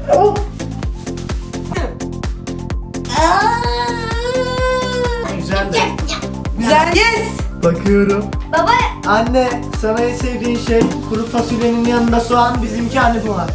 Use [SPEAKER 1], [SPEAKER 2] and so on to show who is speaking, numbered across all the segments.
[SPEAKER 1] Oh.
[SPEAKER 2] Güzel de.
[SPEAKER 1] Güzel. Yes.
[SPEAKER 2] Bakıyorum.
[SPEAKER 3] Baba.
[SPEAKER 2] Anne, sana en sevdiğin şey kuru fasulyenin yanında soğan, bizimki hani bu var.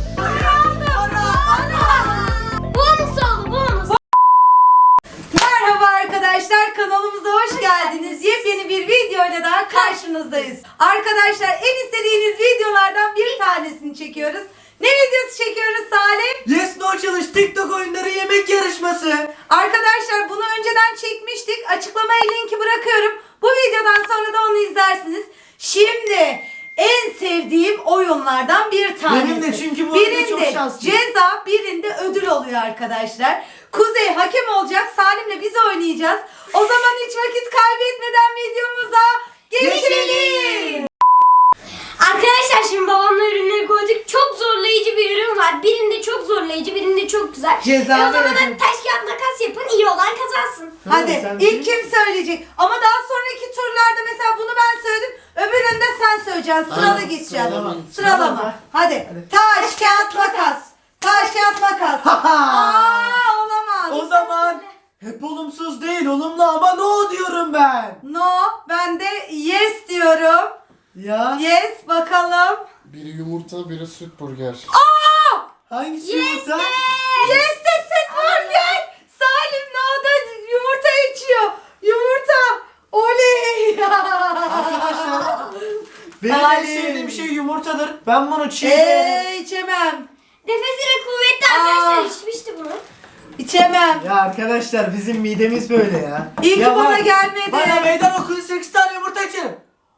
[SPEAKER 1] Merhaba arkadaşlar, kanalımıza hoş geldiniz. Yepyeni bir videoyla daha karşınızdayız. Arkadaşlar, en istediğiniz videolardan bir tanesini çekiyoruz. Ne videosu çekiyoruz Salim?
[SPEAKER 2] Yes No Challenge TikTok oyunları yemek yarışması.
[SPEAKER 1] Arkadaşlar bunu önceden çekmiştik. Açıklamaya linki bırakıyorum. Bu videodan sonra da onu izlersiniz. Şimdi en sevdiğim oyunlardan bir tanesi.
[SPEAKER 2] Benim de, çünkü bu oyunda çok
[SPEAKER 1] birinde
[SPEAKER 2] şanslıyım.
[SPEAKER 1] ceza, birinde ödül oluyor arkadaşlar. Kuzey hakem olacak. Salim'le biz oynayacağız. O zaman hiç vakit kaybetmeden videomuza geçelim.
[SPEAKER 3] Arkadaşlar şimdi babamla ürünleri koyduk. Çok zorlayıcı bir ürün var. Birinde çok zorlayıcı, birinde çok güzel.
[SPEAKER 1] Ceza
[SPEAKER 3] o zaman
[SPEAKER 1] verelim.
[SPEAKER 3] taş kağıt makas yapın. İyi olan kazansın.
[SPEAKER 1] Hadi
[SPEAKER 2] Sen
[SPEAKER 1] ilk kim söyleyecek? Ama daha sonraki turlarda mesela bunu ben söyledim. Öbüründe sen söyleyeceksin. Sırada
[SPEAKER 4] Aynen,
[SPEAKER 1] gideceğiz.
[SPEAKER 4] sıralama.
[SPEAKER 1] Sıralama. Hadi. Taş kağıt makas. Taş kağıt makas. Olamaz.
[SPEAKER 2] O zaman hep olumsuz değil, olumlu ama no diyorum ben.
[SPEAKER 1] No. Ben de yes diyorum.
[SPEAKER 2] Ya
[SPEAKER 1] Yes bakalım.
[SPEAKER 4] Biri yumurta, biri süt burger.
[SPEAKER 2] hangisi yumurta?
[SPEAKER 1] Yes de süt burger. Salim no da yumurta içiyor. Yumurta. Oley.
[SPEAKER 2] Arkadaşlar, benim en
[SPEAKER 1] Salim.
[SPEAKER 2] sevdiğim şey yumurtadır. Ben bunu çiğ yerim.
[SPEAKER 1] içemem.
[SPEAKER 3] Nefesleri kuvvetli arkadaşlar içmişti bunu.
[SPEAKER 1] İçemem.
[SPEAKER 2] Ya arkadaşlar, bizim midemiz böyle ya.
[SPEAKER 1] İyi ki
[SPEAKER 2] Ya
[SPEAKER 1] bana
[SPEAKER 2] bak,
[SPEAKER 1] gelmedi.
[SPEAKER 2] Bana meydan okuyun, 8 tane yumurta içerim.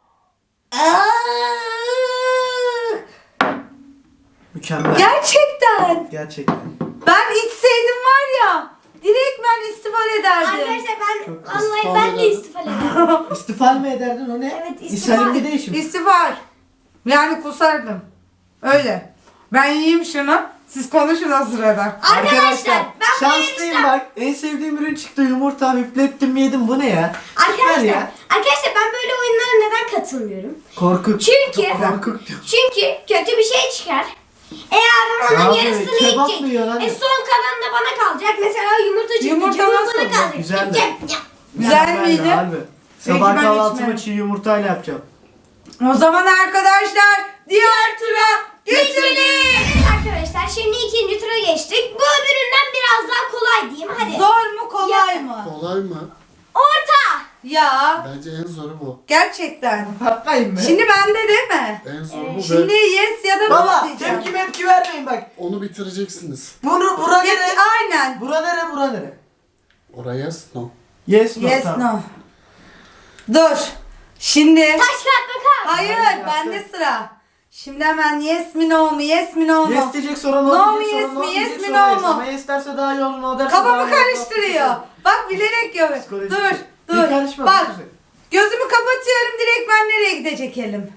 [SPEAKER 2] Mükemmel.
[SPEAKER 1] Gerçekten.
[SPEAKER 2] Gerçekten.
[SPEAKER 1] Ben içseydim var ya, direkt ben istifa ederdim.
[SPEAKER 3] Arkadaşlar ben
[SPEAKER 4] Çok
[SPEAKER 3] vallahi
[SPEAKER 4] istifa
[SPEAKER 3] ben de
[SPEAKER 4] ederim.
[SPEAKER 3] istifa ederim.
[SPEAKER 2] İstifa mı ederdin, o ne?
[SPEAKER 3] Evet, istifa.
[SPEAKER 2] İsa'nın bir değişim.
[SPEAKER 1] İstifa. Yani kusardım. Öyle. Ben yiyeyim şunu. Siz konuşun o sırada.
[SPEAKER 3] Arkadaşlar ben bu
[SPEAKER 2] şanslıyım
[SPEAKER 3] yarışta
[SPEAKER 2] bak. En sevdiğim ürün çıktı, yumurta. Hüplettim yedim, bu ne ya? Süper
[SPEAKER 3] arkadaşlar
[SPEAKER 2] ya.
[SPEAKER 3] ben böyle oyunlara neden katılmıyorum?
[SPEAKER 2] Korkuk.
[SPEAKER 3] Çünkü
[SPEAKER 2] Korkuk diyor.
[SPEAKER 3] kötü bir şey çıkar. Adam
[SPEAKER 2] Ya
[SPEAKER 3] onun
[SPEAKER 2] abi,
[SPEAKER 3] yarısını
[SPEAKER 2] kebap mı
[SPEAKER 3] yiyecek.
[SPEAKER 2] yiyor lan?
[SPEAKER 3] Son kalan da bana kalacak. Mesela yumurta çıktı.
[SPEAKER 1] Yumurta
[SPEAKER 3] cıvıl
[SPEAKER 1] nasıl
[SPEAKER 3] bana
[SPEAKER 1] oldu?
[SPEAKER 3] kalacak.
[SPEAKER 2] Güzel mi?
[SPEAKER 3] Ya.
[SPEAKER 1] Güzel
[SPEAKER 2] Ben de
[SPEAKER 1] miydi?
[SPEAKER 2] harbi.
[SPEAKER 1] Peki,
[SPEAKER 2] Sabah
[SPEAKER 1] ben
[SPEAKER 2] kahvaltımı
[SPEAKER 1] içmem.
[SPEAKER 2] çiğ yumurtayla yapacağım.
[SPEAKER 1] O zaman arkadaşlar diğer tura geçelim.
[SPEAKER 3] Evet arkadaşlar şimdi ikinci tura geçtik. Bu öbüründen biraz daha kolay diyeyim. Hadi.
[SPEAKER 1] Zor mu kolay mı?
[SPEAKER 4] Kolay mı?
[SPEAKER 3] Orta.
[SPEAKER 1] Ya
[SPEAKER 4] Bence en zoru bu.
[SPEAKER 1] gerçekten.
[SPEAKER 2] Patlayayım mı?
[SPEAKER 1] Şimdi bende değil mi?
[SPEAKER 4] En zoru bu
[SPEAKER 1] Şimdi
[SPEAKER 4] ve
[SPEAKER 1] yes ya da no
[SPEAKER 2] Baba,
[SPEAKER 1] diyeceğim.
[SPEAKER 2] tepki mepki vermeyin bak.
[SPEAKER 4] onu bitireceksiniz.
[SPEAKER 2] Bura nere?
[SPEAKER 1] Tepki, aynen.
[SPEAKER 2] Bura nere, bura nere?
[SPEAKER 4] Oraya no.
[SPEAKER 2] Yes, no.
[SPEAKER 1] Yes
[SPEAKER 2] tamam.
[SPEAKER 1] no. Dur. Şimdi.
[SPEAKER 3] Taş kağıt makas.
[SPEAKER 1] Hayır
[SPEAKER 2] Hayır,
[SPEAKER 1] bende
[SPEAKER 2] yaptım.
[SPEAKER 1] sıra. Şimdi hemen yes mi no mu, yes mi no mu?
[SPEAKER 2] Yes diyecek, sonra no,
[SPEAKER 1] No mu,
[SPEAKER 2] diyecek, sonra
[SPEAKER 1] yes
[SPEAKER 2] no
[SPEAKER 1] mi,
[SPEAKER 2] diyecek,
[SPEAKER 1] yes mi,
[SPEAKER 2] sonra
[SPEAKER 1] no
[SPEAKER 2] yes.
[SPEAKER 1] mu?
[SPEAKER 2] Ama yes derse daha iyi olur, no derse daha
[SPEAKER 1] Kafamı
[SPEAKER 2] iyi olur.
[SPEAKER 1] karıştırıyor. Bak bilerek yapıyor.
[SPEAKER 2] Psikolojik.
[SPEAKER 1] Dur,
[SPEAKER 2] Bir
[SPEAKER 1] dur.
[SPEAKER 2] karışma,
[SPEAKER 1] Bak.
[SPEAKER 2] bir güzel.
[SPEAKER 1] Gözümü kapatıyorum, direkt ben nereye gidecek elim?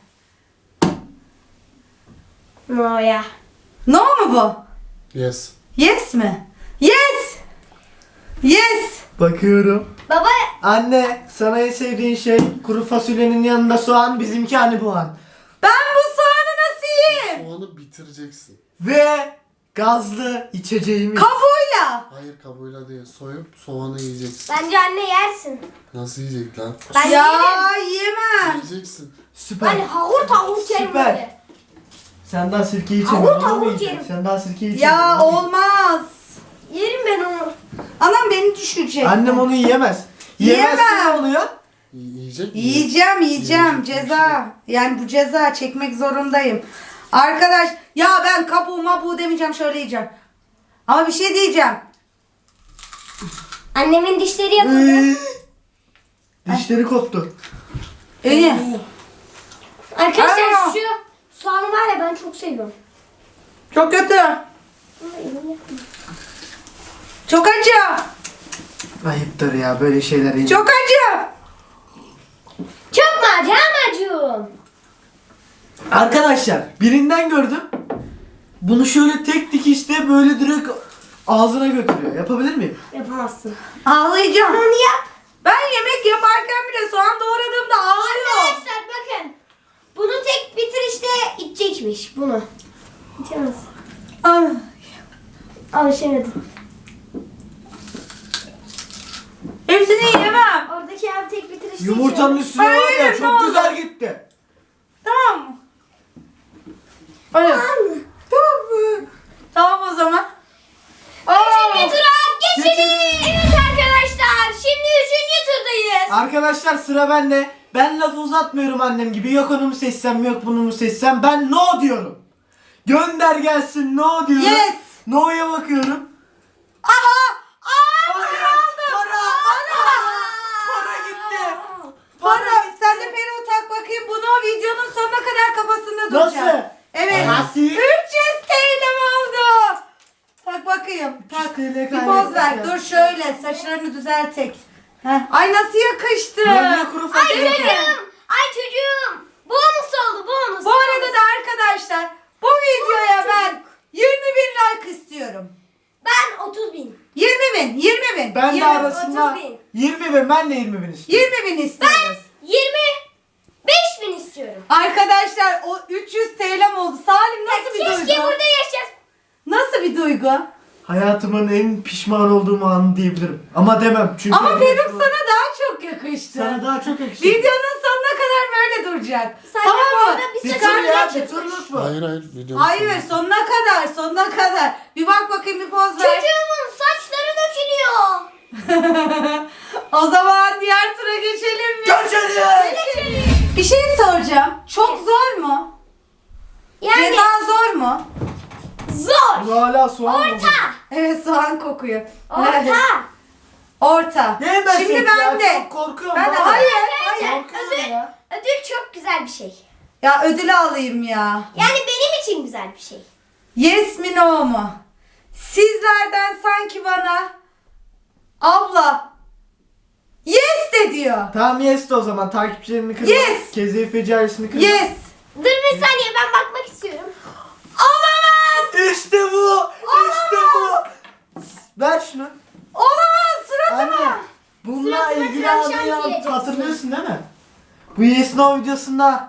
[SPEAKER 3] No ya.
[SPEAKER 1] No mu bu?
[SPEAKER 4] Yes.
[SPEAKER 1] Yes mi? Yes! Yes!
[SPEAKER 2] Bakıyorum.
[SPEAKER 3] Baba
[SPEAKER 2] Anne, sana en sevdiğin şey kuru fasulyenin yanında soğan, bizimki hani bu an.
[SPEAKER 1] Ben bu soğanı nasıl yiyeyim?
[SPEAKER 4] Soğanı bitireceksin.
[SPEAKER 2] Ve gazlı içeceğimiz.
[SPEAKER 1] Kabuğuyla.
[SPEAKER 4] Hayır kabuğuyla değil. Soyup soğanı yiyeceksin.
[SPEAKER 3] bence anne yersin.
[SPEAKER 4] Nasıl yiyecek lan?
[SPEAKER 3] Ben
[SPEAKER 1] Ya
[SPEAKER 3] yerim.
[SPEAKER 1] yiyemem.
[SPEAKER 4] Yiyeceksin.
[SPEAKER 2] Süper.
[SPEAKER 3] Ben havur tavuk yerim
[SPEAKER 2] Süper.
[SPEAKER 3] böyle.
[SPEAKER 2] Sen daha sirke
[SPEAKER 3] Havur
[SPEAKER 2] içemiyorsun.
[SPEAKER 3] tavuk
[SPEAKER 2] onu mu yiyeceksin?
[SPEAKER 3] yerim.
[SPEAKER 2] Sen daha sirke içemiyorsun.
[SPEAKER 1] Ya
[SPEAKER 2] onu mu
[SPEAKER 1] olmaz.
[SPEAKER 3] Yerim ben onu.
[SPEAKER 1] Anam beni düşürecek.
[SPEAKER 2] yiyeceksin? Annem onu yiyemez. Yiyemezse ne
[SPEAKER 1] Yiyemem.
[SPEAKER 2] oluyor?
[SPEAKER 4] Yiyecek mi?
[SPEAKER 1] Yiyeceğim.
[SPEAKER 4] Yiyecek bir
[SPEAKER 1] Ceza. Yani bu ceza çekmek zorundayım. Arkadaş ya ben kabuğu mabuğu demeyeceğim, şöyle yiyeceğim. Ama bir şey diyeceğim.
[SPEAKER 3] Annemin dişleri yapıldı.
[SPEAKER 2] Dişleri koptu.
[SPEAKER 1] İyi.
[SPEAKER 3] Arkadaşlar
[SPEAKER 1] Aa.
[SPEAKER 3] şu soğanı var ya ben çok seviyorum.
[SPEAKER 1] Çok kötü. Çok acı.
[SPEAKER 2] Ayıptır ya böyle şeyler.
[SPEAKER 1] Çok acı.
[SPEAKER 3] Çok mu acı amacım?
[SPEAKER 2] Arkadaşlar, birinden gördüm. Bunu şöyle tek dikişte böyle direkt ağzına götürüyor. Yapabilir miyim?
[SPEAKER 3] Yapamazsın.
[SPEAKER 1] Ağlayacağım.
[SPEAKER 3] Onu yap.
[SPEAKER 1] Ben yemek yaparken bile soğan doğradığımda ağlıyorum.
[SPEAKER 3] Arkadaşlar bakın. Bunu tek bitirişte içecekmiş bunu. İçemez.
[SPEAKER 1] Ah.
[SPEAKER 3] Alışamadım.
[SPEAKER 1] Hepsini yiyemem.
[SPEAKER 3] Oradaki abi tek bitirişte
[SPEAKER 2] Yumurtanın üstüne var ya
[SPEAKER 1] Hayır, ne
[SPEAKER 2] çok
[SPEAKER 1] oldu?
[SPEAKER 2] güzel gitti.
[SPEAKER 1] Tamam mı? Öyle. Tamam mı? Tamam o zaman.
[SPEAKER 3] Üçüncü tura geçelim. Evet arkadaşlar şimdi üçüncü turdayız.
[SPEAKER 2] Arkadaşlar sıra bende. Ben lafı uzatmıyorum annem gibi. Yok onu mu seçsem yok bunu mu seçsem. Ben no diyorum. Gönder gelsin no diyorum.
[SPEAKER 1] Yes.
[SPEAKER 2] No'ya bakıyorum.
[SPEAKER 1] Aha!
[SPEAKER 2] Hayır. Para. Para gitti.
[SPEAKER 1] Para. Sen de peruğu tak bakayım. Bunu o videonun sonuna kadar kafasında duracak.
[SPEAKER 2] Nasıl?
[SPEAKER 1] Evet.
[SPEAKER 2] Nasıl?
[SPEAKER 1] 300 TL'm oldu. Tak bakayım.
[SPEAKER 2] 300
[SPEAKER 1] Tak.
[SPEAKER 2] TL
[SPEAKER 1] Bir poz ver.
[SPEAKER 2] kaybettik ya.
[SPEAKER 1] Dur şöyle. Saçlarını düzeltek. Heh. Ay nasıl yakıştı.
[SPEAKER 2] Böyle kuru
[SPEAKER 3] Ay
[SPEAKER 2] fasulye.
[SPEAKER 3] çocuğum. Ay çocuğum. Bonus oldu bonus.
[SPEAKER 1] Bu arada da arkadaşlar bu videoya ben 20.000 like istiyorum.
[SPEAKER 3] Ben 30.000.
[SPEAKER 1] 20.000. 20.000.
[SPEAKER 2] Ben de
[SPEAKER 1] 20.000.
[SPEAKER 2] arasında
[SPEAKER 3] 30.000.
[SPEAKER 2] 20.000 ben de 20.000 istiyorum.
[SPEAKER 1] 20.000 istiyoruz.
[SPEAKER 3] 25.000 istiyorum.
[SPEAKER 1] Arkadaşlar o 300 TL'm oldu. Salim nasıl bir
[SPEAKER 3] Keşke
[SPEAKER 1] duygu?
[SPEAKER 3] burada yaşasın.
[SPEAKER 1] Nasıl bir duygu?
[SPEAKER 2] Hayatımın en pişman olduğum anı diyebilirim. Ama demem çünkü.
[SPEAKER 1] Ama peruk sana daha çok yakıştı.
[SPEAKER 2] Sana daha çok yakışır.
[SPEAKER 1] Videonun sonuna kadar böyle duracak.
[SPEAKER 3] Sadece bu
[SPEAKER 1] Tamam mı?
[SPEAKER 3] arada bir
[SPEAKER 2] Bir
[SPEAKER 3] saçını
[SPEAKER 2] tur ya,
[SPEAKER 3] geçirmiş.
[SPEAKER 2] bir turluk mu?
[SPEAKER 4] Hayır videonun
[SPEAKER 1] Hayır
[SPEAKER 4] sonu.
[SPEAKER 1] sonuna kadar sonuna kadar. Bir bak bakayım bir poz ver.
[SPEAKER 3] Çocuğumun saçları dökülüyor.
[SPEAKER 1] O zaman diğer tura geçelim mi?
[SPEAKER 2] Geçelim.
[SPEAKER 1] Bir şey soracağım. Çok zor mu?
[SPEAKER 3] Yani
[SPEAKER 1] Ceza zor mu?
[SPEAKER 3] zor.
[SPEAKER 2] Bu hala soğan mı?
[SPEAKER 3] Orta.
[SPEAKER 1] Evet soğan kokuyor.
[SPEAKER 3] Orta.
[SPEAKER 1] Orta.
[SPEAKER 2] Ne ben
[SPEAKER 1] Şimdi
[SPEAKER 2] seç
[SPEAKER 1] ben
[SPEAKER 2] ya,
[SPEAKER 1] de.
[SPEAKER 2] çok korkuyorum.
[SPEAKER 1] Ben de
[SPEAKER 2] valla.
[SPEAKER 1] hayır.
[SPEAKER 3] Arkadaşlar ödül, ödül çok güzel bir şey.
[SPEAKER 1] Ya ödülü alayım ya.
[SPEAKER 3] Yani benim için güzel bir şey.
[SPEAKER 1] Yes mi no mu? Sizlerden sanki bana abla yes de diyor.
[SPEAKER 2] Tamam yes de o zaman takipçilerini kırma.
[SPEAKER 1] Yes.
[SPEAKER 2] Kezeyfe carisini kırma.
[SPEAKER 1] Yes.
[SPEAKER 3] Dur bir saniye ben bakmak istiyorum.
[SPEAKER 1] Olamaz.
[SPEAKER 2] İşte bu. İşte bu. Ver şunu.
[SPEAKER 1] Olamaz suratıma.
[SPEAKER 2] Anne. Bununla
[SPEAKER 3] Suratıma
[SPEAKER 2] ilgili
[SPEAKER 3] tavşan
[SPEAKER 2] anı ya,
[SPEAKER 3] diyeceksin.
[SPEAKER 2] hatırlıyorsun değil mi? Bu Yes No videosunda.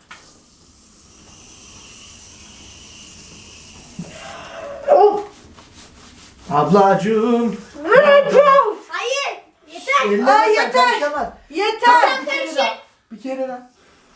[SPEAKER 2] Oh. Ablacığım.
[SPEAKER 3] Hayır. Yeter.
[SPEAKER 2] Elleme
[SPEAKER 1] Ay,
[SPEAKER 2] sen,
[SPEAKER 1] yeter.
[SPEAKER 2] karışamaz.
[SPEAKER 1] Yeter.
[SPEAKER 2] Bir kere
[SPEAKER 3] karışır.
[SPEAKER 2] daha. Bir kere daha.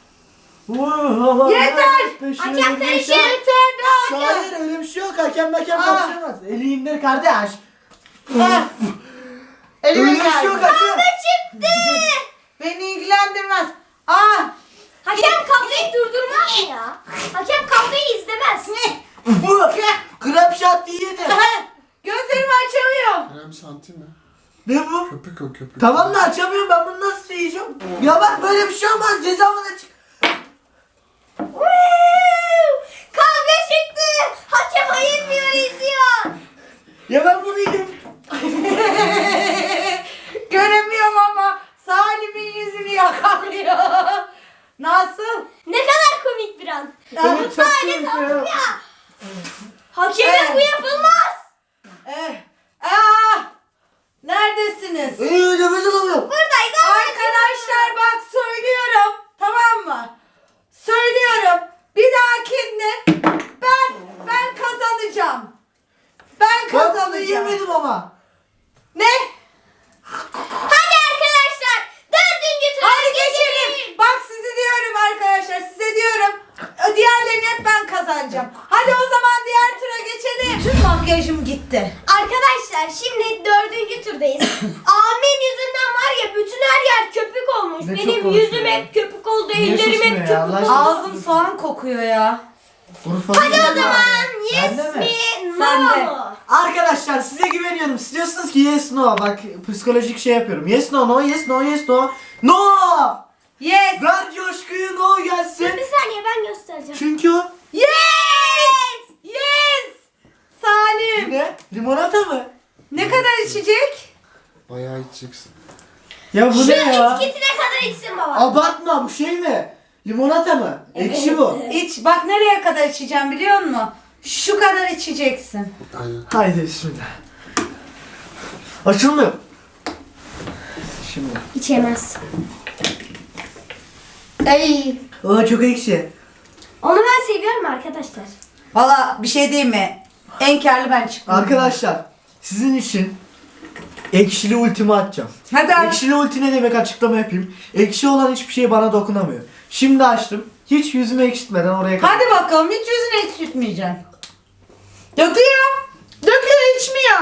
[SPEAKER 1] Yeter.
[SPEAKER 3] Hakem karışır.
[SPEAKER 1] Yeter daha.
[SPEAKER 2] Hayır öyle bir şey yok. Hakem
[SPEAKER 1] Aa.
[SPEAKER 2] karışamaz. Eli indir kardeş.
[SPEAKER 1] Ah.
[SPEAKER 2] Öyle
[SPEAKER 1] Elime
[SPEAKER 2] bir şey yok
[SPEAKER 1] geldi.
[SPEAKER 2] hakem.
[SPEAKER 3] Çıktı.
[SPEAKER 1] Beni ilgilendirmez. Ah.
[SPEAKER 3] Hakem kavgayı durdurmaz mı ya? Hakem kavgayı izlemez.
[SPEAKER 2] Bu krem şanti yedi.
[SPEAKER 1] Gözlerimi açamıyorum.
[SPEAKER 4] Krem şanti mi?
[SPEAKER 2] Ne bu?
[SPEAKER 4] Köpük o köpük.
[SPEAKER 2] Tamam da açamıyorum ben bunu nasıl yiyeceğim? Ya bak böyle bir şey olmaz cezamı da çık.
[SPEAKER 3] Kavga çıktı. Hakem ayırmıyor izliyor.
[SPEAKER 2] Ya ben bunu yiyeyim.
[SPEAKER 1] Göremiyorum ama Salim'in yüzünü yakalıyor. Nasıl?
[SPEAKER 3] Ne kadar komik bir an.
[SPEAKER 2] Evet, çok komik ya.
[SPEAKER 3] Hakeme
[SPEAKER 1] Evet.
[SPEAKER 3] bu yapılmaz.
[SPEAKER 1] Neredesiniz?
[SPEAKER 2] Nefes alamıyorum.
[SPEAKER 3] Buradayız.
[SPEAKER 1] Arkadaşlar bak söylüyorum. Tamam mı? Söylüyorum. Bir dahakinde ben kazanacağım. Ben
[SPEAKER 2] Ben bunu
[SPEAKER 1] kazanacağım.
[SPEAKER 2] yemedim ama.
[SPEAKER 1] Ne?
[SPEAKER 3] Hadi arkadaşlar. Dördüncü tura
[SPEAKER 1] Hadi geçelim. Bak sizi diyorum arkadaşlar. Size diyorum. Diğerlerini hep ben kazanacağım. Hadi o zaman diğer tura geçelim. Tüm makyajım gitti.
[SPEAKER 3] Arkadaşlar şimdi dördüncü turdayız. Abimin yüzünden var ya bütün her yer köpük olmuş.
[SPEAKER 2] Ne çok
[SPEAKER 3] Benim
[SPEAKER 2] konuşuyor
[SPEAKER 3] yüzüm
[SPEAKER 2] ya.
[SPEAKER 3] hep köpük oldu.
[SPEAKER 2] Niye
[SPEAKER 3] Ellerim
[SPEAKER 2] susmuyor
[SPEAKER 3] hep
[SPEAKER 2] ya?
[SPEAKER 3] köpük
[SPEAKER 2] Allah
[SPEAKER 3] oldu.
[SPEAKER 2] aşkına.
[SPEAKER 1] Ağzım soğan kokuyor ya.
[SPEAKER 2] Hadi
[SPEAKER 3] O zaman yes
[SPEAKER 2] Bende mi?
[SPEAKER 3] mi
[SPEAKER 1] Sen
[SPEAKER 3] no
[SPEAKER 1] de.
[SPEAKER 3] mu?
[SPEAKER 2] Arkadaşlar size güveniyorum. Siz diyorsunuz ki yes no. Bak psikolojik şey yapıyorum. Yes no no yes no yes no. No!
[SPEAKER 1] Yes.
[SPEAKER 2] Ver coşkuyu no
[SPEAKER 3] Dur
[SPEAKER 2] gelsin.
[SPEAKER 3] bir saniye ben göstereceğim.
[SPEAKER 2] Çünkü o
[SPEAKER 1] Yes. Yes. Salim.
[SPEAKER 2] ne? Limonata mı?
[SPEAKER 1] Ne kadar içecek?
[SPEAKER 4] Bayağı içeceksin.
[SPEAKER 2] Ya bu
[SPEAKER 3] Şu
[SPEAKER 2] ne ya?
[SPEAKER 3] etiketine kadar içsin baba.
[SPEAKER 2] Abartma bu şey mi? Limonata mı? Ekşi bu.
[SPEAKER 1] İç. Bak nereye kadar içeceğim biliyor musun? Şu kadar içeceksin.
[SPEAKER 4] Aynen.
[SPEAKER 2] Haydi bismillah. Açılmıyor. Şimdi.
[SPEAKER 3] İçemez.
[SPEAKER 1] Ey.
[SPEAKER 2] Aa çok ekşi.
[SPEAKER 3] Onu ben seviyorum arkadaşlar.
[SPEAKER 1] Valla bir şey diyeyim mi? En karlı ben çıktım.
[SPEAKER 2] Arkadaşlar sizin için ekşili ultimi açacağım.
[SPEAKER 1] Hadi aç.
[SPEAKER 2] Ekşili ulti ne demek açıklama yapayım. Ekşi olan hiçbir şey bana dokunamıyor. Şimdi açtım. Hiç yüzümü ekşitmeden oraya kadar.
[SPEAKER 1] Hadi bakalım, hiç yüzünü ekşitmeyeceksin. Döküyor. Döküyor, içmiyor.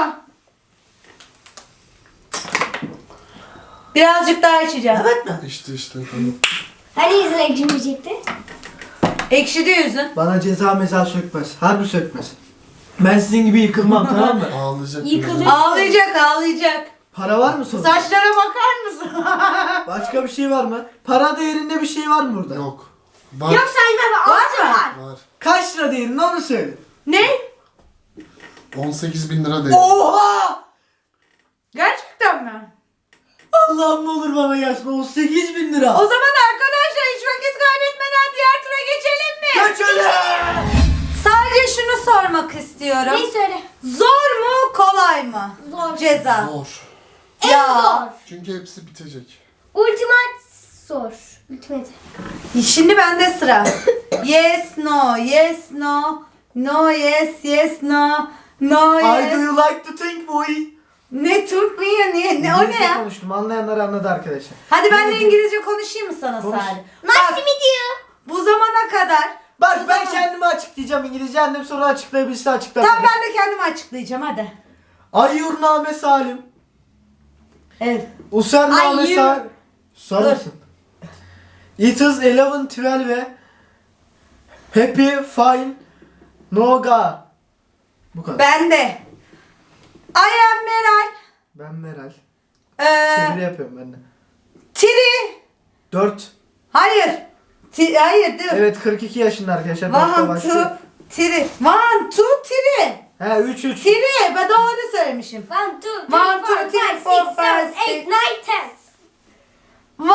[SPEAKER 1] Birazcık daha içeceğim.
[SPEAKER 2] Evet mi?
[SPEAKER 4] İşte tamam.
[SPEAKER 3] Hani yüzüne ekşimeyecekti?
[SPEAKER 1] Ekşidi yüzün.
[SPEAKER 2] Bana ceza meza sökmez. Harbi sökmez. Ben sizin gibi yıkılmam tamam mı?
[SPEAKER 4] Ağlayacak.
[SPEAKER 3] Yıkılır.
[SPEAKER 4] biraz.
[SPEAKER 1] Ağlayacak, ağlayacak.
[SPEAKER 2] Para var mı sonra?
[SPEAKER 1] Saçlara bakar mısın?
[SPEAKER 2] Başka bir şey var mı? Para değerinde bir şey var mı burada?
[SPEAKER 4] Yok. Var.
[SPEAKER 3] Yok sayma be.
[SPEAKER 1] Var
[SPEAKER 3] Altı
[SPEAKER 1] mı?
[SPEAKER 3] var.
[SPEAKER 4] Var.
[SPEAKER 2] Kaç lira değerinde onu söyle.
[SPEAKER 1] Ne?
[SPEAKER 4] 18.000 lira değil.
[SPEAKER 2] Oha!
[SPEAKER 1] Gerçekten mi?
[SPEAKER 2] Allah'ım ne olur bana gelsin. 18.000 lira.
[SPEAKER 1] O zaman arkadaşlar hiç vakit kaybetmeden diğer tura geçelim mi?
[SPEAKER 2] Geçelim.
[SPEAKER 1] Sadece şunu sormak istiyorum.
[SPEAKER 3] Neyi söyle?
[SPEAKER 1] Zor mu, kolay mı?
[SPEAKER 3] Zor.
[SPEAKER 1] Ceza.
[SPEAKER 4] Zor.
[SPEAKER 3] En
[SPEAKER 1] Ya.
[SPEAKER 3] zor.
[SPEAKER 4] Çünkü hepsi bitecek.
[SPEAKER 3] Ultimate zor. Ultimate.
[SPEAKER 1] Şimdi bende sıra. Yes, no, yes, no. No, yes, yes, no. No,
[SPEAKER 2] I
[SPEAKER 1] yes.
[SPEAKER 2] do you like to think boy?
[SPEAKER 1] Ne Türk mü ya? Ne, o ne
[SPEAKER 2] İngilizce
[SPEAKER 1] ya?
[SPEAKER 2] konuştum. Anlayanlar anladı arkadaşlar.
[SPEAKER 1] Hadi ben de İngilizce konuşayım mı sana
[SPEAKER 2] Konuş.
[SPEAKER 1] Salih?
[SPEAKER 3] Nice
[SPEAKER 1] Bak,
[SPEAKER 3] to meet you.
[SPEAKER 1] bu zamana kadar.
[SPEAKER 2] Bak
[SPEAKER 1] bu
[SPEAKER 2] ben
[SPEAKER 1] zaman-
[SPEAKER 2] kendimi açıklayacağım. İngilizce annem sonra açıklayabilse açıklar.
[SPEAKER 1] Tamam, ben de kendimi açıklayacağım hadi.
[SPEAKER 2] Ayyurname Salim.
[SPEAKER 1] Evet.
[SPEAKER 2] Username
[SPEAKER 3] Ayyur-
[SPEAKER 2] Salim. Susar
[SPEAKER 1] Dur.
[SPEAKER 2] mısın? It is 11, 12 ve Happy, fine, no ga. Bu kadar.
[SPEAKER 1] Ben de. I am Meral.
[SPEAKER 2] Ben Meral.
[SPEAKER 1] Ee,
[SPEAKER 2] Çeviri yapıyorum ben de.
[SPEAKER 1] Tiri.
[SPEAKER 2] 4.
[SPEAKER 1] Hayır. Hayır dur.
[SPEAKER 2] Evet 42 yaşında arkadaşlar. Dakika
[SPEAKER 1] One,
[SPEAKER 2] başlıyor.
[SPEAKER 1] two, tiri. One, two, tiri.
[SPEAKER 2] He 3.
[SPEAKER 1] Tiri. Ben doğru söylemişim.
[SPEAKER 3] 1, 2, 3, 4, 5,
[SPEAKER 1] One,
[SPEAKER 3] 6,
[SPEAKER 1] two, three,
[SPEAKER 3] 7,
[SPEAKER 1] four,
[SPEAKER 3] 8,
[SPEAKER 1] five,
[SPEAKER 3] 9,
[SPEAKER 1] six.
[SPEAKER 3] 10.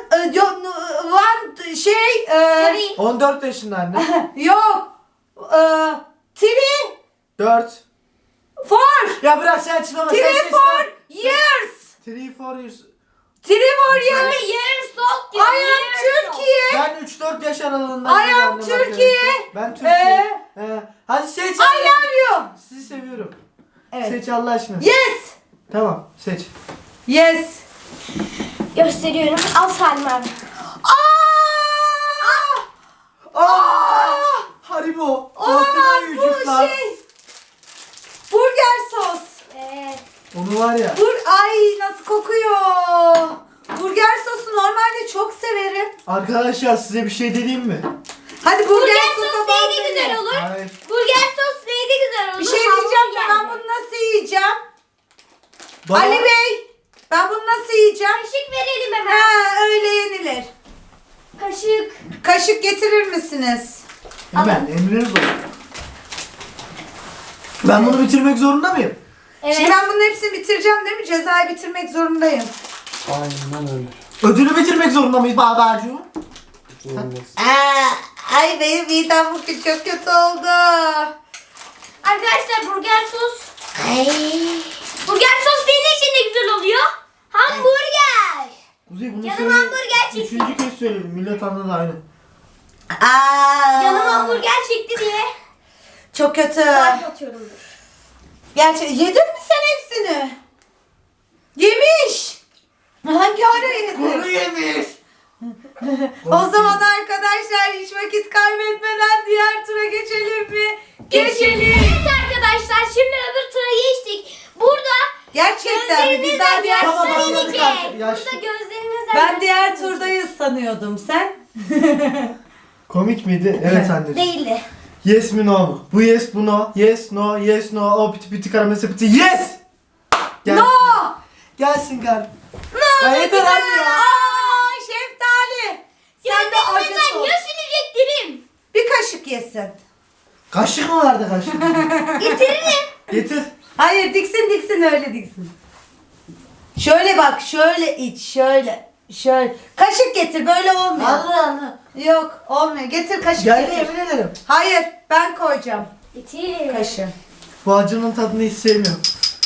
[SPEAKER 1] One şey.
[SPEAKER 3] Tabii.
[SPEAKER 2] 14 yaşında anne.
[SPEAKER 1] Yok. Tiri.
[SPEAKER 2] 4.
[SPEAKER 1] Four.
[SPEAKER 2] Ya bırak sen açıklama. Sen
[SPEAKER 1] Tiri
[SPEAKER 2] seslen.
[SPEAKER 1] for years.
[SPEAKER 2] 3, 4 years.
[SPEAKER 1] Tiri for years.
[SPEAKER 3] Anne years old diyor.
[SPEAKER 1] I am
[SPEAKER 3] years old.
[SPEAKER 1] Türkiye.
[SPEAKER 2] Ben 3-4 yaş aralığında.
[SPEAKER 1] I am Türkiye.
[SPEAKER 2] Ben Türkiye. Hadi seç.
[SPEAKER 1] I love you.
[SPEAKER 2] Sizi seviyorum.
[SPEAKER 1] Evet.
[SPEAKER 2] Seç Allah aşkına.
[SPEAKER 1] Yes.
[SPEAKER 2] Tamam seç.
[SPEAKER 1] Yes.
[SPEAKER 3] Gösteriyorum. Al Salim abi.
[SPEAKER 2] Haribo.
[SPEAKER 1] Olamaz
[SPEAKER 2] Altına
[SPEAKER 1] bu
[SPEAKER 2] yüzükler.
[SPEAKER 1] şey. Burger sos.
[SPEAKER 3] Evet.
[SPEAKER 2] Onu var ya.
[SPEAKER 1] Ay nasıl kokuyor. Burger sosu normalde çok severim.
[SPEAKER 2] Arkadaşlar size bir şey dediğim mi?
[SPEAKER 1] Hadi
[SPEAKER 3] Burger
[SPEAKER 1] sosa
[SPEAKER 3] sos
[SPEAKER 1] bal
[SPEAKER 3] neydi güzel
[SPEAKER 1] dene.
[SPEAKER 3] olur?
[SPEAKER 2] Hayır.
[SPEAKER 3] Burger sos neydi güzel olur?
[SPEAKER 1] Bir şey diyeceğim de ben
[SPEAKER 3] Hamburger.
[SPEAKER 1] bunu nasıl yiyeceğim?
[SPEAKER 2] Bana-
[SPEAKER 1] Ali Bey, ben bunu nasıl yiyeceğim?
[SPEAKER 3] Kaşık verelim hemen.
[SPEAKER 1] Ha, öyle yenilir.
[SPEAKER 3] Kaşık.
[SPEAKER 1] Kaşık getirir misiniz?
[SPEAKER 2] Hemen emriniz olur. Ben bunu bitirmek zorunda mıyım?
[SPEAKER 3] Evet.
[SPEAKER 1] Şimdi ben bunun hepsini bitireceğim değil mi? Cezayı bitirmek zorundayım.
[SPEAKER 4] Aynen öyle.
[SPEAKER 2] Ödülü bitirmek zorunda mıyız babacığım?
[SPEAKER 4] Olmaz.
[SPEAKER 1] Ay benim midem bugün çok kötü oldu.
[SPEAKER 3] Arkadaşlar burger sos. Burger sos senin için de güzel oluyor. Hamburger.
[SPEAKER 2] Kuzey bunu
[SPEAKER 3] Canım
[SPEAKER 2] söyle.
[SPEAKER 3] hamburger çekti.
[SPEAKER 2] Üçüncü kez söyledim. Millet anladı aynı.
[SPEAKER 3] Canım hamburger çekti diye.
[SPEAKER 1] Çok kötü.
[SPEAKER 3] Saat atıyorum.
[SPEAKER 1] Gerçi yedin mi sen hepsini? Yemiş. Hangi ara yedin?
[SPEAKER 2] yemiş.
[SPEAKER 1] O zaman arkadaşlar hiç vakit kaybetmeden diğer tura geçelim mi? Geçelim.
[SPEAKER 3] Evet arkadaşlar şimdi öbür tura geçtik. Burada
[SPEAKER 1] Gerçekten mi? Biz
[SPEAKER 3] gözlerinizle
[SPEAKER 1] daha diğer
[SPEAKER 2] Tamam,
[SPEAKER 1] tura
[SPEAKER 2] anladık
[SPEAKER 3] gösterecek.
[SPEAKER 2] artık, yaşlı.
[SPEAKER 3] Burada gözlerinizle
[SPEAKER 1] Ben diğer
[SPEAKER 3] gösterecek.
[SPEAKER 1] turdayız sanıyordum. Sen?
[SPEAKER 2] Komik miydi? Evet anneciğim.
[SPEAKER 3] Değildi.
[SPEAKER 2] Yes mi no mu? Bu yes bu no. Yes no yes no. O piti piti karamel sepeti. Yes! Gelsin.
[SPEAKER 1] No!
[SPEAKER 2] Gelsin kar.
[SPEAKER 1] No!
[SPEAKER 2] Ya yeter
[SPEAKER 1] güzel.
[SPEAKER 2] anne ya.
[SPEAKER 1] Aa, şeftali. Sen de acı
[SPEAKER 3] Gözlerinizden
[SPEAKER 1] sos.
[SPEAKER 3] göstereceklerim.
[SPEAKER 1] Bir kaşık yesin.
[SPEAKER 2] Kaşık mı vardı kaşık?
[SPEAKER 3] Getiririm.
[SPEAKER 2] Getir.
[SPEAKER 1] Hayır diksin öyle diksin. Şöyle bak şöyle iç şöyle. Şöyle. Kaşık getir böyle olmuyor.
[SPEAKER 2] Allah.
[SPEAKER 1] Yok olmuyor. Getir kaşık
[SPEAKER 2] Gel
[SPEAKER 1] getir.
[SPEAKER 2] yemin ederim.
[SPEAKER 1] Hayır ben koyacağım
[SPEAKER 3] Getir.
[SPEAKER 1] kaşığı.
[SPEAKER 2] Bu acının tadını hiç sevmiyorum.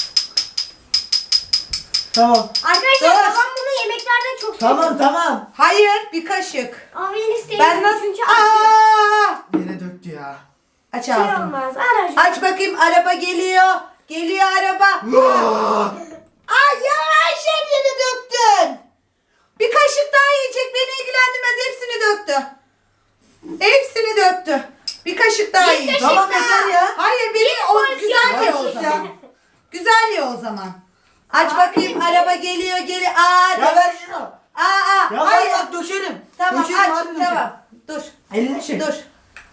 [SPEAKER 2] Tamam.
[SPEAKER 3] Arkadaşlar
[SPEAKER 1] Dur.
[SPEAKER 3] babam bunu yemeklerde çok seviyor.
[SPEAKER 2] Tamam.
[SPEAKER 1] Hayır bir kaşık.
[SPEAKER 3] Ama ben isteyeyim.
[SPEAKER 1] Ben nasıl...
[SPEAKER 3] Çünkü acı.
[SPEAKER 1] Aa!
[SPEAKER 2] Yere döktü ya.
[SPEAKER 1] Aç
[SPEAKER 3] Şey
[SPEAKER 1] ağzını.
[SPEAKER 3] olmaz. Anacığım.
[SPEAKER 1] Aç bakayım, araba geliyor. Geliyor araba. Ay yavaş, hepsini döktün. Bir kaşık daha yiyecek, beni ilgilendirmez, hepsini döktü. Hepsini döktü. Bir kaşık daha yiyecek.
[SPEAKER 2] Tamam yeter ya.
[SPEAKER 1] Hayır, beni o güzel ye o
[SPEAKER 2] Sus ya.
[SPEAKER 1] zaman. Güzel ye o zaman. Aç bakayım, araba geliyor. Aa,
[SPEAKER 2] Ya ver şunu.
[SPEAKER 1] hayır.
[SPEAKER 2] Ya hayır bak döşerim.
[SPEAKER 1] Tamam
[SPEAKER 2] Döşerim,
[SPEAKER 1] aç,
[SPEAKER 2] harbi döşerim.
[SPEAKER 1] tamam. Dur.
[SPEAKER 2] Elini çek.
[SPEAKER 1] Dur.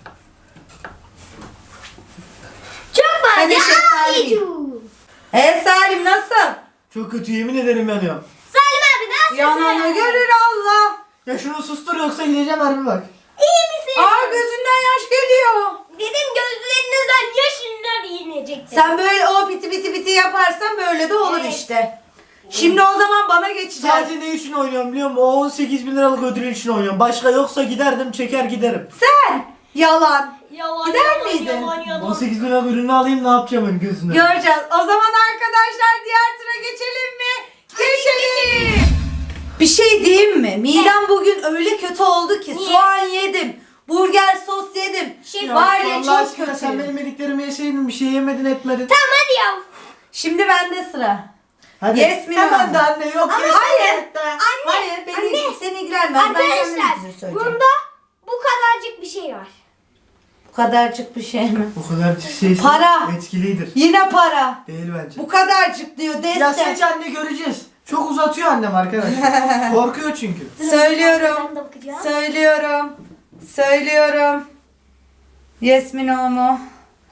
[SPEAKER 3] Çok var.
[SPEAKER 1] Hadi
[SPEAKER 3] Ya,
[SPEAKER 1] şeftali.
[SPEAKER 3] anneciğim.
[SPEAKER 1] Salim nasıl?
[SPEAKER 2] Çok kötü, yemin ederim yanıyorum.
[SPEAKER 3] Salim abi nasılsın?
[SPEAKER 1] Yananı görür Allah.
[SPEAKER 2] Ya şunu sustur yoksa gideceğim harbi bak.
[SPEAKER 3] İyi misin?
[SPEAKER 1] Gözünden yaş geliyor.
[SPEAKER 3] Dedim gözlerinizden yaşınlar inecekti.
[SPEAKER 1] Sen böyle o biti yaparsan böyle de olur
[SPEAKER 3] Evet.
[SPEAKER 1] işte. Şimdi o zaman bana geçeceğiz.
[SPEAKER 2] Sadece ne için oynuyorum biliyor musun? O 18 bin liralık ödül için oynuyorum. Başka yoksa giderdim çeker giderim.
[SPEAKER 1] Sen yalan.
[SPEAKER 3] Yalan,
[SPEAKER 1] Gider
[SPEAKER 3] yalan,
[SPEAKER 1] miydin?
[SPEAKER 3] Yalan, yalan.
[SPEAKER 2] 18 bin liralık ürünü alayım ne yapacağım ben gözüne?
[SPEAKER 1] Göreceğiz. O zaman arkadaşlar diğer tura geçelim mi? Geçelim. Bir şey diyeyim mi? Midem bugün öyle kötü oldu ki
[SPEAKER 3] Niye?
[SPEAKER 1] soğan yedim. Burger sos yedim.
[SPEAKER 3] Şef,
[SPEAKER 1] Var ya
[SPEAKER 2] Allah
[SPEAKER 1] çok
[SPEAKER 2] aşkına
[SPEAKER 1] kötü.
[SPEAKER 2] sen benim yediklerimi yeseydin bir şey yemedin etmedin.
[SPEAKER 3] Tamam hadi ya.
[SPEAKER 1] Şimdi bende sıra.
[SPEAKER 2] Hadi.
[SPEAKER 1] Yes mi,
[SPEAKER 2] Hemen
[SPEAKER 1] no?
[SPEAKER 2] de anne yok.
[SPEAKER 3] Ama
[SPEAKER 2] yes
[SPEAKER 1] hayır.
[SPEAKER 2] mi?
[SPEAKER 1] Hayır beni
[SPEAKER 3] anne.
[SPEAKER 1] seni ilgilenmez. Ben kendim
[SPEAKER 3] Arkadaşlar
[SPEAKER 1] size söyleyeceğim.
[SPEAKER 3] bunda bu kadarcık bir şey var.
[SPEAKER 1] Bu kadarcık bir şey mi?
[SPEAKER 2] O kadar şey
[SPEAKER 1] Para.
[SPEAKER 2] etkilidir.
[SPEAKER 1] Yine para.
[SPEAKER 2] Değil bence.
[SPEAKER 1] Bu kadarcık diyor
[SPEAKER 2] Ya
[SPEAKER 1] destek.
[SPEAKER 2] seç anne göreceğiz. Çok uzatıyor annem arkadaşlar. Korkuyor çünkü.
[SPEAKER 1] Söylüyorum.
[SPEAKER 3] Ben de bakacağım.
[SPEAKER 1] Söylüyorum. Yes mi no mu?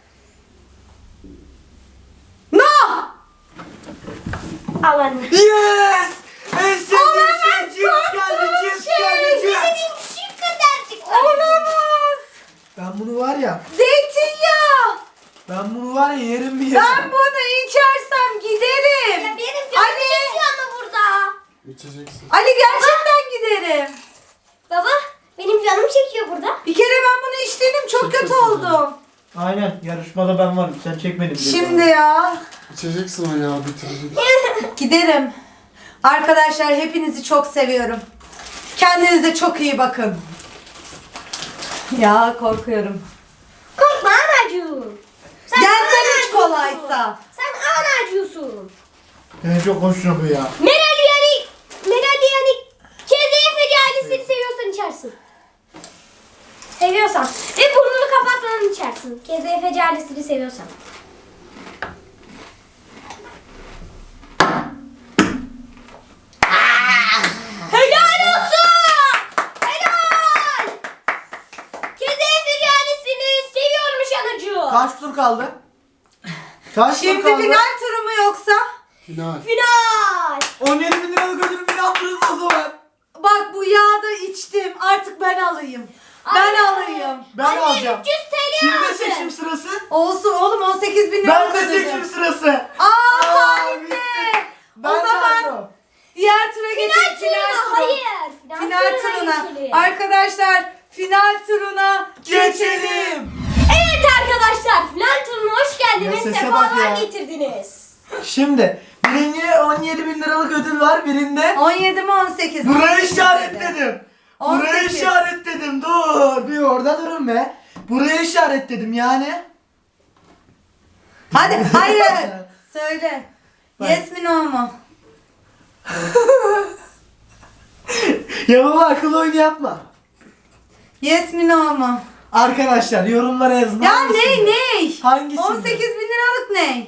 [SPEAKER 1] No!
[SPEAKER 3] Al anne.
[SPEAKER 2] Yes! En sevdiğim şey cips geldi, cips geldi, cips.
[SPEAKER 3] Benim şu kadarcık var.
[SPEAKER 1] Olamaz.
[SPEAKER 2] Ben bunu var ya,
[SPEAKER 1] Zeytinyağı.
[SPEAKER 2] ben bunu var ya yerim bir yerim.
[SPEAKER 1] Ben bunu içersem giderim.
[SPEAKER 3] Ya benim canım
[SPEAKER 1] Ali.
[SPEAKER 3] çekiyor ama burada.
[SPEAKER 4] İçeceksin.
[SPEAKER 1] Ali gerçekten giderim.
[SPEAKER 3] Baba benim canım çekiyor burada.
[SPEAKER 1] Bir kere ben bunu içtim, çok kötü oldum.
[SPEAKER 2] Aynen, yarışmada ben varım, sen çek benim.
[SPEAKER 1] Şimdi ya.
[SPEAKER 4] İçeceksin o ya bitirecek.
[SPEAKER 1] Giderim. Arkadaşlar hepinizi çok seviyorum. Kendinize çok iyi bakın. Ya korkuyorum.
[SPEAKER 3] Korkma anacığım.
[SPEAKER 1] Gel sen iç
[SPEAKER 3] anacığısın.
[SPEAKER 1] kolaysa.
[SPEAKER 3] Sen anacığısın.
[SPEAKER 2] Ben çok hoşuma bu ya.
[SPEAKER 3] Meral yani KZF ailesini seviyorsan içersin. Seviyorsan. Ve burnunu kapatmadan içersin. KZF ailesini seviyorsan. Helal olsun! Helal! KZF ailesini seviyormuş anacığım.
[SPEAKER 2] Kaç tur kaldı? Kaç
[SPEAKER 1] Şimdi
[SPEAKER 2] tur kaldı?
[SPEAKER 1] final turu mu yoksa?
[SPEAKER 4] Final.
[SPEAKER 3] Final!
[SPEAKER 2] 17 bin liralık ödülü final turunda o zaman.
[SPEAKER 1] Bak bu yağı da içtim. Artık ben alayım. Ben
[SPEAKER 3] Anne.
[SPEAKER 1] alayım.
[SPEAKER 2] Ben
[SPEAKER 3] Anne,
[SPEAKER 2] alacağım.
[SPEAKER 3] 300 TL
[SPEAKER 2] Kimde
[SPEAKER 3] aldı.
[SPEAKER 2] seçim sırası?
[SPEAKER 1] Olsun oğlum 18 bin lira
[SPEAKER 2] Ben de
[SPEAKER 1] ödülü.
[SPEAKER 2] seçim sırası.
[SPEAKER 1] Aa Salim
[SPEAKER 2] bitti.
[SPEAKER 1] de.
[SPEAKER 2] Ben
[SPEAKER 1] O
[SPEAKER 2] de
[SPEAKER 1] zaman
[SPEAKER 2] aldım.
[SPEAKER 1] diğer tura
[SPEAKER 3] Final
[SPEAKER 1] geçelim.
[SPEAKER 3] turuna hayır.
[SPEAKER 1] Final turuna.
[SPEAKER 3] geçelim.
[SPEAKER 1] Arkadaşlar final turuna geçelim.
[SPEAKER 3] Evet arkadaşlar final turuna hoş geldiniz.
[SPEAKER 2] Ya sese bak
[SPEAKER 3] Sefalar
[SPEAKER 2] ya.
[SPEAKER 3] getirdiniz.
[SPEAKER 2] Şimdi birinci 17 bin liralık ödül var birinde.
[SPEAKER 1] 17 mi 18 mi?
[SPEAKER 2] Burayı işaretledim. Burayı
[SPEAKER 1] 18.
[SPEAKER 2] işaretledim. Dur. Bir orada durun be. Burayı işaretledim yani.
[SPEAKER 1] Hadi hayır. Söyle.
[SPEAKER 2] Bak.
[SPEAKER 1] Yes mi no mu?
[SPEAKER 2] Ya baba akıl oyunu yapma.
[SPEAKER 1] Yes mi no mu?
[SPEAKER 2] Arkadaşlar yorumlara yazın.
[SPEAKER 1] Ya
[SPEAKER 2] hangisinde?
[SPEAKER 1] ne?
[SPEAKER 2] Hangisinde?
[SPEAKER 1] 18 bin liralık ne?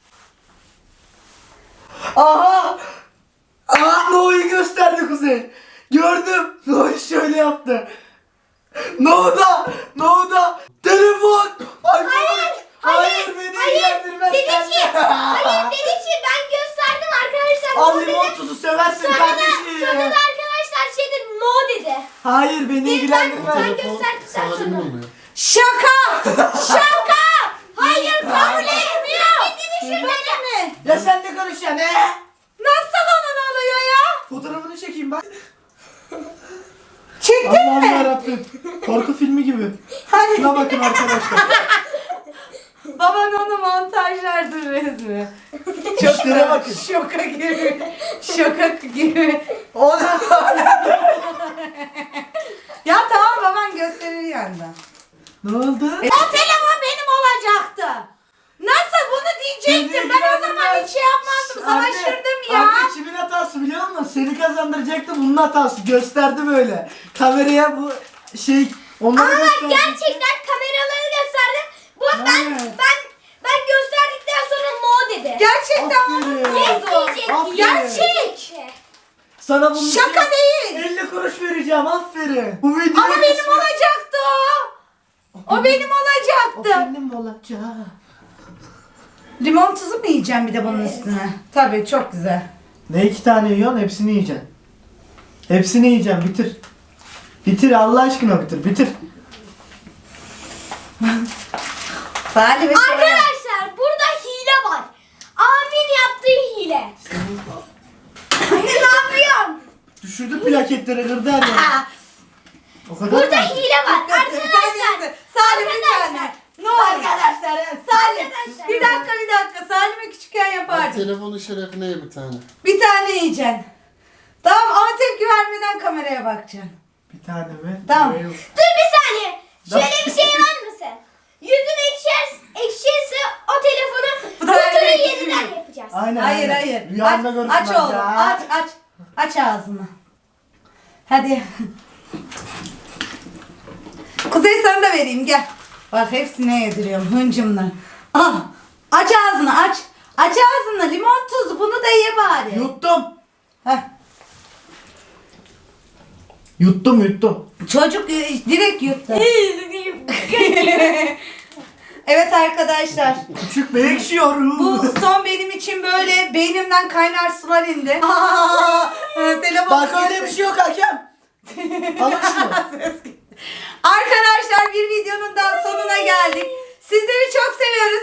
[SPEAKER 2] Aha! Aha No'yu gösterdi Kuzey. Gördüm. No şöyle yaptı. No'da telefon. Hayır beni ilgilendirmez.
[SPEAKER 3] Dedi ki,
[SPEAKER 2] kendi.
[SPEAKER 3] hayır dedi ki ben gösterdim arkadaşlar.
[SPEAKER 2] Al
[SPEAKER 3] no dedi.
[SPEAKER 2] limon tuzu seversin
[SPEAKER 3] Sonra da
[SPEAKER 2] kardeşim.
[SPEAKER 3] arkadaşlar şey dedi no dedi.
[SPEAKER 2] Hayır beni ilgilendirmez.
[SPEAKER 3] Ben gösterdikten
[SPEAKER 4] Sana
[SPEAKER 3] sonra.
[SPEAKER 4] limon ya.
[SPEAKER 1] Şaka!
[SPEAKER 3] Şaka! Hayır kabul etmiyor. Gidin şuradan.
[SPEAKER 1] mi?
[SPEAKER 2] Ya sen ne konuşuyorsun he?
[SPEAKER 1] Nasıl onun oluyor ya?
[SPEAKER 2] Fotoğrafını çekeyim ben.
[SPEAKER 1] Çektin
[SPEAKER 2] Allah'ım
[SPEAKER 1] mi?
[SPEAKER 2] yarabbim. Korku filmi gibi.
[SPEAKER 1] Hani
[SPEAKER 2] Şuna bakın arkadaşlar.
[SPEAKER 1] baban onu montajlardır resmi.
[SPEAKER 2] İşlere bakın.
[SPEAKER 1] Şoka gibi. Şoka gibi.
[SPEAKER 2] O da
[SPEAKER 1] Ya tamam baban gösterir yanında.
[SPEAKER 2] Ne oldu?
[SPEAKER 1] O telefon benim olacaktı. Nasıl bunu diyecektim? Ben o zaman hiç şey yapmazdım. Savaşırdım ya.
[SPEAKER 2] Anne kimin hatası biliyor musun? Seni kazandıracaktı, bunun hatası. Gösterdi böyle. Kameraya bu şey... Onları
[SPEAKER 3] Ama
[SPEAKER 2] gösterdi.
[SPEAKER 3] gerçekten kameraları gösterdim. Bu
[SPEAKER 2] Evet.
[SPEAKER 3] ben gösterdikten sonra no dedi.
[SPEAKER 1] Gerçekten
[SPEAKER 2] Aferin.
[SPEAKER 1] onun oldu.
[SPEAKER 3] Diyecek.
[SPEAKER 2] Aferin.
[SPEAKER 3] Gerçek.
[SPEAKER 2] Sana bunun
[SPEAKER 1] Şaka
[SPEAKER 2] için
[SPEAKER 1] değil.
[SPEAKER 2] 50 kuruş vereceğim, aferin. Bu video
[SPEAKER 1] Ama benim olacaktı o. O benim
[SPEAKER 2] O
[SPEAKER 1] olacaktı.
[SPEAKER 2] benim olacak.
[SPEAKER 1] Limon tuzu mu yiyeceğim bir de bunun üstüne? Tabii çok güzel.
[SPEAKER 2] Ne 2 tane yiyorsun? Hepsini yiyeceksin. Hepsini yiyeceğim, bitir. Bitir Allah aşkına, bitir.
[SPEAKER 1] Salih ve
[SPEAKER 3] Arkadaşlar burada hile var. Amin yaptığı hile. ne yapıyorsun?
[SPEAKER 2] Düşürdü plaketleri, kırdı her yeri.
[SPEAKER 1] Aa,
[SPEAKER 2] O kadar
[SPEAKER 3] Burada
[SPEAKER 2] mı?
[SPEAKER 3] hile var. Arkadaşlar.
[SPEAKER 1] Salim bir tane. Ne oldu? Arkadaşlar. Salim.
[SPEAKER 3] Arkadaşlar.
[SPEAKER 1] Bir dakika. Salim'e küçükken
[SPEAKER 4] Al
[SPEAKER 1] yapardım.
[SPEAKER 4] telefonun şerefine ye bir tane.
[SPEAKER 1] Bir tane yiyeceksin. Tamam ama tepki vermeden kameraya bakacaksın.
[SPEAKER 2] Bir tane mi?
[SPEAKER 1] Tamam.
[SPEAKER 2] Yok.
[SPEAKER 3] Dur bir saniye. Şöyle bir şey var mı sen? Yüzün ekşirse o telefonu
[SPEAKER 1] Bu da
[SPEAKER 3] kutuyu
[SPEAKER 1] evet.
[SPEAKER 3] yeniden yapacağız.
[SPEAKER 2] Aynen.
[SPEAKER 1] Hayır.
[SPEAKER 2] Rüyanda
[SPEAKER 1] Aç,
[SPEAKER 2] görürsün.
[SPEAKER 1] aç
[SPEAKER 2] bak
[SPEAKER 1] oğlum.
[SPEAKER 2] ya.
[SPEAKER 1] Aç ağzını. Hadi. Kuzey sana da vereyim gel. Bak hepsine yediriyorum hıncımla. Al. Aç ağzını aç. Aç ağzını limon tuzu bunu da ye bari.
[SPEAKER 2] Yuttum.
[SPEAKER 1] Heh.
[SPEAKER 2] Yuttum.
[SPEAKER 1] Çocuk direkt yuttu. Evet arkadaşlar.
[SPEAKER 2] Küçük bey ekşiyorum.
[SPEAKER 1] Bu son benim için böyle beynimden kaynar sular indi. Telefon.
[SPEAKER 2] Bak öyle bir şey yok hakem. Alın şunu.
[SPEAKER 1] Arkadaşlar bir videonun daha sonuna geldik. Sizleri çok seviyoruz.